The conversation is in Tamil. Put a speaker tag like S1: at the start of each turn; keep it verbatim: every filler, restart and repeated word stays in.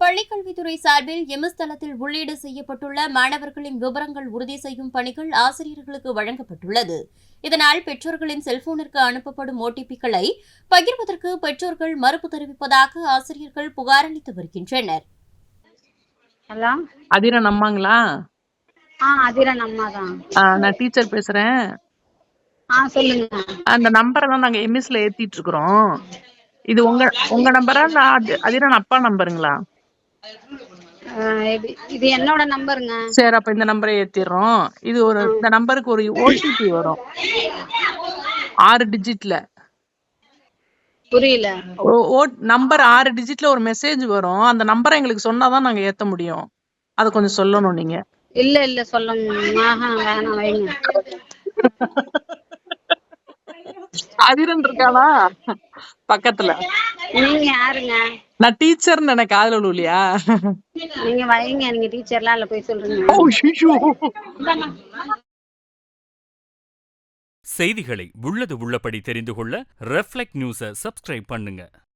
S1: பள்ளிக்கல்வித்துறை சார்பில் எம்எஸ் தளத்தில் உள்ளீடு செய்யப்பட்டுள்ள மாணவர்களின் விவரங்கள் உறுதி செய்யும் பணிகள் ஆசிரியர்களுக்கு வழங்கப்பட்டுள்ளது. இதனால் பெற்றோர்களின் செல்போனிற்கு அனுப்பப்படும் ஓடிபிக்களை பகிர்வதற்கு பெற்றோர்கள் மறுப்பு தெரிவிப்பதாக ஆசிரியர்கள் புகார் அளித்து வருகின்றனர்.
S2: ஹலோ,
S3: அதிரன் அம்மாங்களா?
S2: ஆ அதிரன் அம்மா தான்.
S3: ஆ, நான் டீச்சர் பேசுறேன்.
S2: ஆ சொல்லுங்க.
S3: அந்த நம்பரை தான் நாங்க எம்எஸ்ல ஏத்திட்டு இருக்கிறோம். இது உங்க உங்க நம்பரா? நான் அதி- அதிரன் அப்பா நம்பருங்களா?
S2: ஆ, இது இது என்னோட நம்பருங்க.
S3: சரி, அப்ப இந்த நம்பரை ஏத்திடுறோம். இது ஒரு இந்த நம்பருக்கு ஒரு ஓடிபி வரும், ஆறு டிஜிட்ல.
S2: புரியல.
S3: நம்பர் ஆறு டிஜிட்ல ஒரு மெசேஜ் வரும். அந்த நம்பரை எங்களுக்கு சொன்னாதான் நாங்க ஏத்த முடியும். அதை கொஞ்சம் சொல்லணும் நீங்க.
S2: இல்ல இல்ல சொல்லுங்க. ஆஹா வேணாம் வைங்க.
S3: அதிரன் இருக்காளா பக்கத்துல?
S2: நீங்க யாருங்க?
S3: நான் டீச்சர்னு எனக்கு காதுல விழுலையா?
S2: நீங்க வைங்க. நீங்க டீச்சர்லாம் இல்ல, போய் சொல்றீங்க.
S3: ஓ, ஐயோ.
S4: செய்திகளை உள்ளது உள்ளபடி தெரிந்து கொள்ள ரெஃப்ளெக்ட் நியூஸை சப்ஸ்கிரைப் பண்ணுங்க.